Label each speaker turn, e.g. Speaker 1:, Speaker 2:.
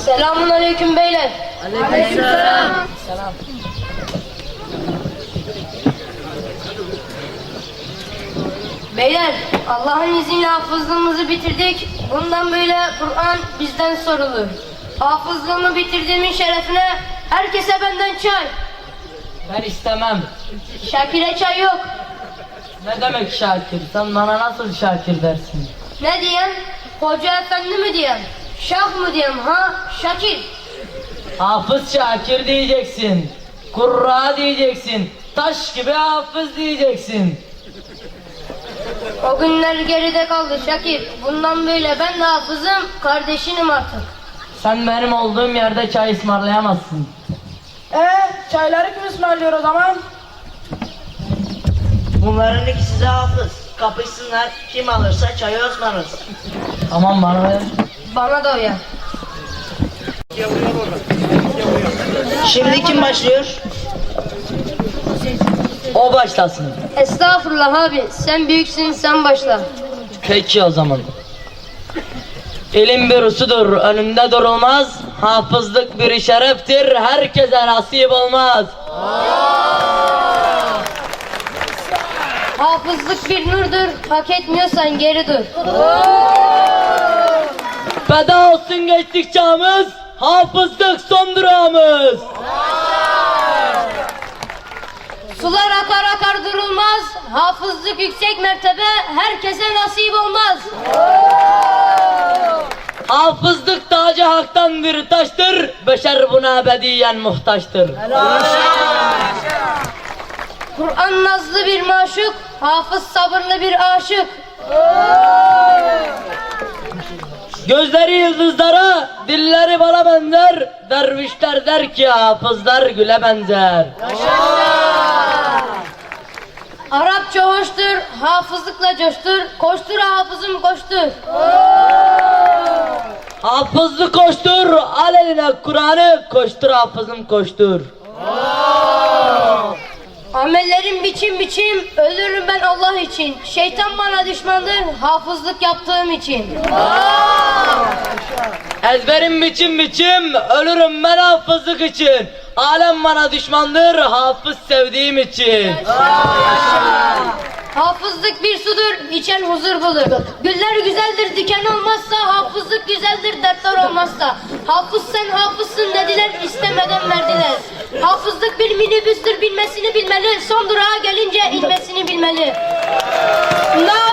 Speaker 1: Selamun aleyküm beyler.
Speaker 2: Aleykümselam.
Speaker 1: Selam. Beyler, Allah'ın izniyle hafızlığımızı bitirdik. Bundan böyle Kur'an bizden sorulur. Hafızlığımı bitirdiğimin şerefine herkese benden çay.
Speaker 2: Ben istemem.
Speaker 1: Şakir'e çay yok.
Speaker 2: Ne demek Şakir? Sen bana nasıl Şakir dersin?
Speaker 1: Ne diyen? Hoca efendi mi diyen? Şah mı diyen ha? Şakir.
Speaker 2: Hafız Şakir diyeceksin. Kurra diyeceksin. Taş gibi hafız diyeceksin.
Speaker 1: O günler geride kaldı Şakir. Bundan böyle ben de hafızım, kardeşinim artık.
Speaker 2: Sen benim olduğum yerde çay ısmarlayamazsın.
Speaker 3: Çayları kim ısmarlıyor o zaman?
Speaker 4: Bunların ikisi de hafız. Kapışsınlar, kim alırsa çayı ısmarlasın.
Speaker 2: Aman bana ver.
Speaker 1: Bana da uyar.
Speaker 4: Şimdi kim başlıyor?
Speaker 2: O başlasın.
Speaker 1: Estağfurullah abi, sen büyüksün, sen başla.
Speaker 2: Peki o zaman. İlim bir usudur, önünde durulmaz. Hafızlık bir şereftir, herkese nasip olmaz.
Speaker 1: Hafızlık bir nurdur, hak etmiyorsan geri dur.
Speaker 2: Feda olsun geçtik çağımız, hafızlık son durağımız.
Speaker 1: Sular akar akar durulmaz, hafızlık yüksek mertebe, herkese nasip olmaz.
Speaker 2: Hafızlık tacı haktan bir taştır, beşer buna ebediyen muhtaçtır.
Speaker 1: Kur'an nazlı bir maşuk, hafız sabırlı bir aşık.
Speaker 2: Gözleri yıldızlara, dilleri bala benzer. Dervişler der ki hafızlar güle benzer.
Speaker 1: Arapça hoştur, hafızlıkla coştur, koştur hafızım koştur.
Speaker 2: Hafızlı koştur, al eline Kur'an'ı, koştur hafızım koştur.
Speaker 1: Amellerim biçim biçim, ölürüm ben Allah için. Şeytan bana düşmandır, hafızlık yaptığım için.
Speaker 2: Ezberim biçim biçim, ölürüm ben hafızlık için. Alem bana düşmandır, hafız sevdiğim için.
Speaker 1: Hafızlık bir sudur, içen huzur bulur. Güller güzeldir, diken olmazsa, hafızlık güzeldir, dertler olmazsa. Hafız sen hafızsın dediler, istemeden verdiler. Hafızlık bir minibüstür, bilmesini bilmeli, son durağa gelince inmesini bilmeli.